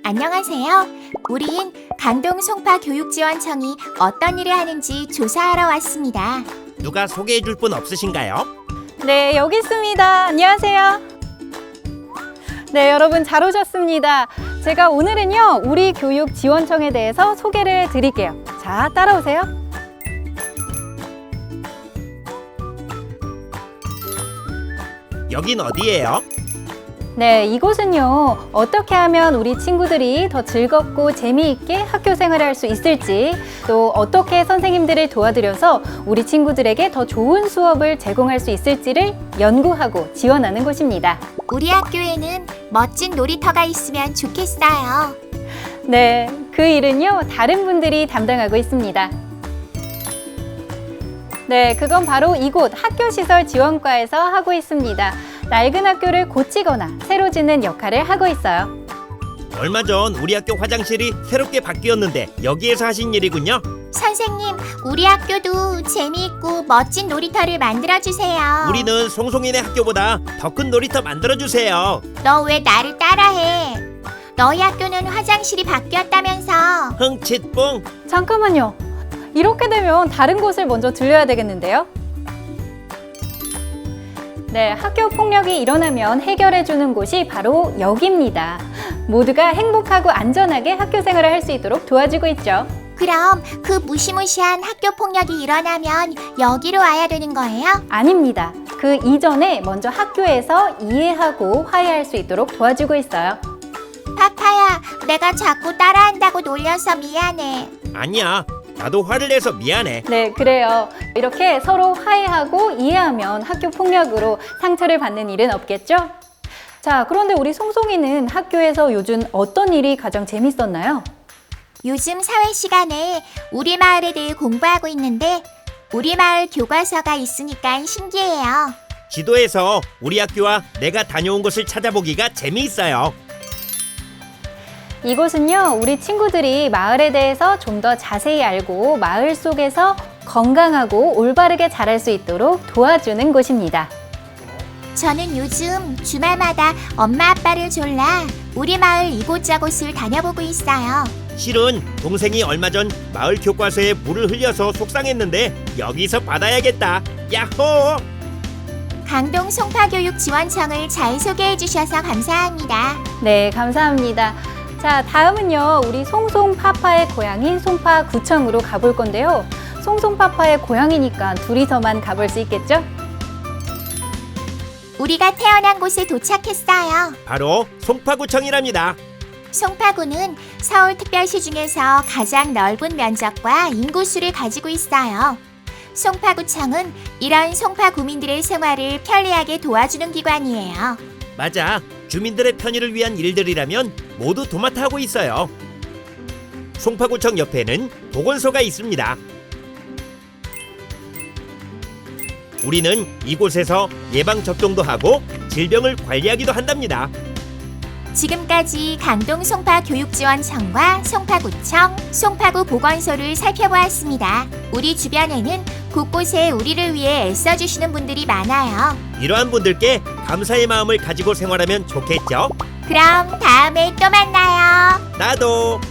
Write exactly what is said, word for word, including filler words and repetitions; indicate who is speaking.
Speaker 1: 안녕하세요. 우린 강동 송파교육지원청이 어떤 일을 하는지 조사하러 왔습니다.
Speaker 2: 누가 소개해 줄 분 없으신가요?
Speaker 3: 네, 여기 있습니다. 안녕하세요. 네, 여러분 잘 오셨습니다. 제가 오늘은요, 우리 교육지원청에 대해서 소개를 드릴게요. 자, 따라오세요.
Speaker 2: 여긴 어디예요?
Speaker 3: 네, 이곳은요, 어떻게 하면 우리 친구들이 더 즐겁고 재미있게 학교 생활을 할 수 있을지, 또 어떻게 선생님들을 도와드려서 우리 친구들에게 더 좋은 수업을 제공할 수 있을지를 연구하고 지원하는 곳입니다.
Speaker 1: 우리 학교에는 멋진 놀이터가 있으면 좋겠어요.
Speaker 3: 네, 그 일은요, 다른 분들이 담당하고 있습니다. 네, 그건 바로 이곳 학교시설지원과에서 하고 있습니다. 낡은 학교를 고치거나 새로 짓는 역할을 하고 있어요.
Speaker 2: 얼마 전 우리 학교 화장실이 새롭게 바뀌었는데 여기에서 하신 일이군요.
Speaker 1: 선생님, 우리 학교도 재미있고 멋진 놀이터를 만들어주세요.
Speaker 2: 우리는 송송이네 학교보다 더 큰 놀이터 만들어주세요.
Speaker 1: 너 왜 나를 따라해? 너희 학교는 화장실이 바뀌었다면서.
Speaker 2: 흥칫뿡.
Speaker 3: 잠깐만요. 이렇게 되면 다른 곳을 먼저 들려야 되겠는데요? 네, 학교 폭력이 일어나면 해결해주는 곳이 바로 여기입니다. 모두가 행복하고 안전하게 학교 생활을 할 수 있도록 도와주고 있죠.
Speaker 1: 그럼 그 무시무시한 학교 폭력이 일어나면 여기로 와야 되는 거예요?
Speaker 3: 아닙니다. 그 이전에 먼저 학교에서 이해하고 화해할 수 있도록 도와주고 있어요.
Speaker 1: 파파야, 내가 자꾸 따라한다고 놀려서 미안해.
Speaker 2: 아니야. 나도 화를 내서 미안해.
Speaker 3: 네, 그래요. 이렇게 서로 화해하고 이해하면 학교 폭력으로 상처를 받는 일은 없겠죠? 자, 그런데 우리 송송이는 학교에서 요즘 어떤 일이 가장 재밌었나요?
Speaker 1: 요즘 사회 시간에 우리 마을에 대해 공부하고 있는데 우리 마을 교과서가 있으니까 신기해요.
Speaker 2: 지도에서 우리 학교와 내가 다녀온 곳을 찾아보기가 재미있어요.
Speaker 3: 이곳은요, 우리 친구들이 마을에 대해서 좀 더 자세히 알고 마을 속에서 건강하고 올바르게 자랄 수 있도록 도와주는 곳입니다.
Speaker 1: 저는 요즘 주말마다 엄마 아빠를 졸라 우리 마을 이곳저곳을 다녀보고 있어요.
Speaker 2: 실은 동생이 얼마 전 마을 교과서에 물을 흘려서 속상했는데 여기서 받아야겠다. 야호!
Speaker 1: 강동 송파교육지원청을 잘 소개해 주셔서 감사합니다.
Speaker 3: 네, 감사합니다. 자, 다음은요, 우리 송송파파의 고향인 송파구청으로 가볼 건데요. 송송파파의 고향이니까 둘이서만 가볼 수 있겠죠?
Speaker 1: 우리가 태어난 곳에 도착했어요.
Speaker 2: 바로 송파구청이랍니다.
Speaker 1: 송파구는 서울특별시 중에서 가장 넓은 면적과 인구수를 가지고 있어요. 송파구청은 이런 송파구민들의 생활을 편리하게 도와주는 기관이에요.
Speaker 2: 맞아. 주민들의 편의를 위한 일들이라면 모두 도맡아 하고 있어요. 송파구청 옆에는 보건소가 있습니다. 우리는 이곳에서 예방접종도 하고 질병을 관리하기도 한답니다.
Speaker 1: 지금까지 강동 송파교육지원청과 송파구청, 송파구 보건소를 살펴보았습니다. 우리 주변에는 곳곳에 우리를 위해 애써주시는 분들이 많아요.
Speaker 2: 이러한 분들께 감사의 마음을 가지고 생활하면 좋겠죠?
Speaker 1: 그럼 다음에 또 만나요.
Speaker 2: 나도.